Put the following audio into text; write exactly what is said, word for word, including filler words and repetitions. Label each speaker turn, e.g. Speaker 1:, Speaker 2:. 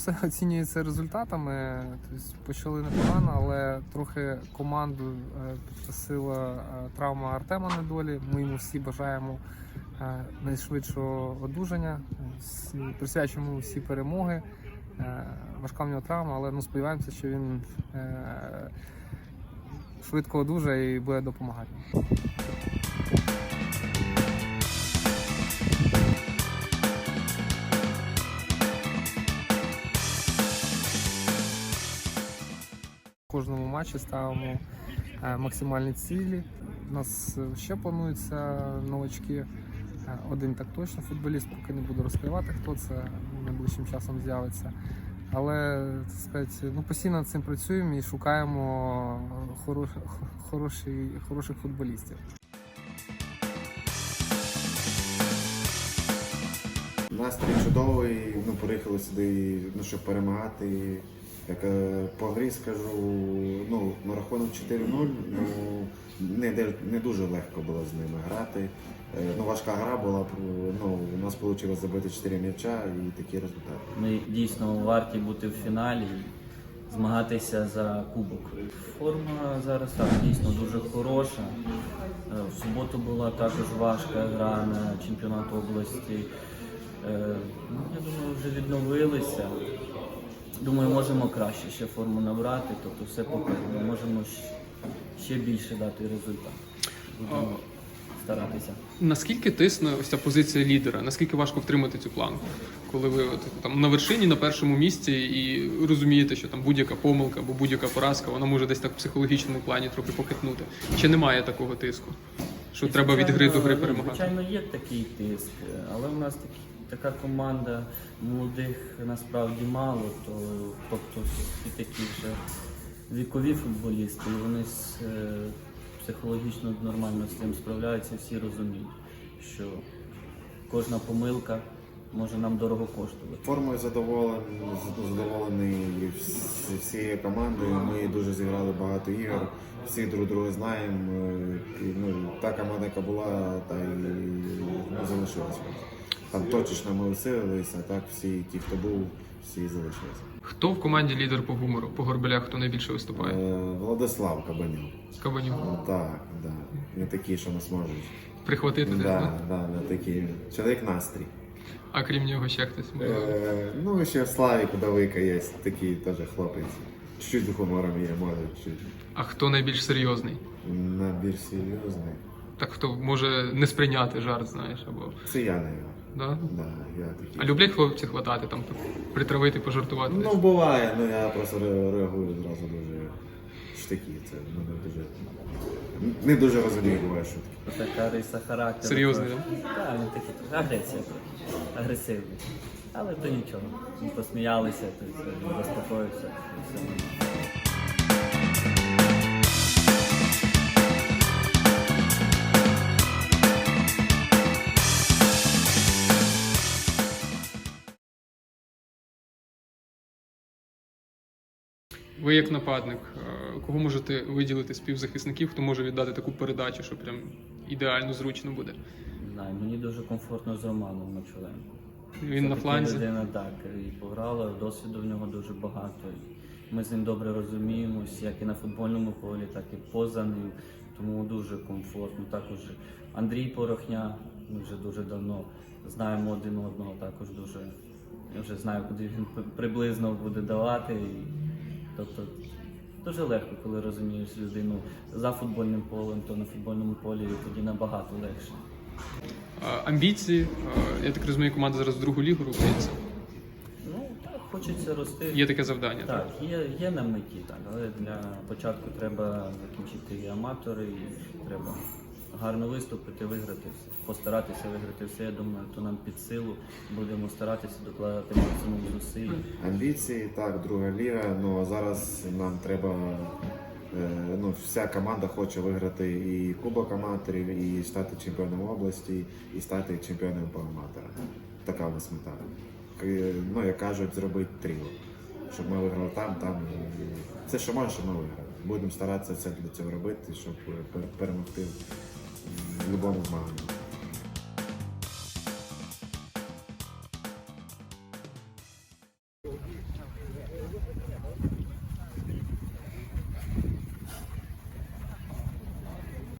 Speaker 1: все оцінюється результатами. Тобто почали непогано, але трохи команду підкосила травма Артема Недолі. Ми йому всі бажаємо найшвидшого одужання, присвячуємо всі перемоги. Важка в нього травма, але ну, сподіваємося, що він швидко одужає і буде допомагати. В кожному матчі ставимо максимальні цілі. У нас ще плануються новачки. Один так точно футболіст, поки не буду розкривати, хто це найближчим часом з'явиться. Але, так сказати, ну, постійно над цим працюємо і шукаємо хорош, хороші, хороших футболістів.
Speaker 2: Настрій чудовий, ну, приїхали сюди, ну, щоб перемагати. Як по грі скажу, ну, на рахунок чотири нуль, ну, не, не дуже легко було з ними грати. Ну, важка гра була, ну, у нас вийшло забити чотири м'яча і такі результати.
Speaker 3: Ми дійсно варті бути в фіналі, змагатися за кубок. Форма зараз так, дійсно дуже хороша. В суботу була також важка гра на чемпіонат області. Ну, я думаю, вже відновилися. Думаю, можемо краще ще форму набрати, тобто все покажемо. Можемо ще більше дати результат. Будемо старатися.
Speaker 4: Наскільки тисне ось ця позиція лідера? Наскільки важко втримати цю планку? Коли ви от, там на вершині, на першому місці і розумієте, що там будь-яка помилка або будь-яка поразка, вона може десь так в психологічному плані трохи похитнути. Чи немає такого тиску? Що і, треба від гри до гри перемагати?
Speaker 3: Звичайно, є такий тиск, але в нас такі така команда молодих насправді мало, то, тобто всі такі вже вікові футболісти, і вони з, е, психологічно нормально з цим справляються, всі розуміють, що кожна помилка може нам дорого коштувати.
Speaker 2: Формою задоволений, задоволений всією командою, ми дуже зіграли багато ігор, всі друг друга знаємо, і, ну, та команда, яка була, та й ну, залишилася. Там точечно ми усилилися, так всі ті, хто був, всі залишилися.
Speaker 4: Хто в команді лідер по гумору? По Горбелях хто найбільше виступає?
Speaker 2: Е, Владислав Кабанюк.
Speaker 4: Кабанюк?
Speaker 2: Ну, так, да. Не такі, що нас можуть.
Speaker 4: Прихватити?
Speaker 2: Да,
Speaker 4: да?
Speaker 2: да, не такі. Чоловік настрій.
Speaker 4: А крім нього ще хтось?
Speaker 2: Е, ну, ще Славік Удовика є, такий теж хлопець. Чуть-чуть гумором є, може, чуть.
Speaker 4: А хто найбільш серйозний?
Speaker 2: На більш серйозний.
Speaker 4: Так хто може не сприйняти жарт, знаєш, або...
Speaker 2: Це я, не я.
Speaker 4: Да?
Speaker 2: Да, я такий.
Speaker 4: А люблять хлопці хватати, там, притравити, пожартувати?
Speaker 2: Ну, буває, ну я просто реагую зразу дуже штики. Це мене дуже... Не дуже розумію, буває шутки.
Speaker 3: Така риса характеру.
Speaker 4: Серйозний, так?
Speaker 3: Так, він такий агресія, агресивний. Але то нічого. Ми посміялися, то заспокоївся.
Speaker 4: Ви як нападник, кого можете виділити з півзахисників, хто може віддати таку передачу, що прям ідеально зручно буде?
Speaker 3: Не знаю, мені дуже комфортно з Романом Мочуленко.
Speaker 4: Він
Speaker 3: Це
Speaker 4: на фланзі?
Speaker 3: людина, так, і пограла, досвіду в нього дуже багато. Ми з ним добре розуміємось, як і на футбольному полі, так і поза ним, тому дуже комфортно. Також Андрій Порохня, ми вже дуже давно знаємо один одного, також дуже, я вже знаю, куди він приблизно буде давати. І, тобто дуже легко, коли розумієш людину за футбольним полем, то на футбольному полі тоді набагато легше.
Speaker 4: Амбіції, я так розумію, команда зараз в другу лігу рухається.
Speaker 3: Ну, так, хочеться рости.
Speaker 4: Є таке завдання, так?
Speaker 3: Так, є, є на меті, так, але для початку треба закінчити і аматори, і треба гарно виступити, виграти, постаратися виграти все. Я думаю, то нам під силу. Будемо старатися докладати максимум зусиль.
Speaker 2: Амбіції, так, друга ліга, ну а зараз нам треба, е, ну, вся команда хоче виграти і Кубок аматорів, і стати чемпіоном області, і стати чемпіоном по аматорам. Така у нас мета. Ну, як кажуть, зробити тріо. Щоб ми виграли там, там. Це що може, що ми виграли. Будемо старатися це для цього робити, щоб перемогти в будь-якому змаганні.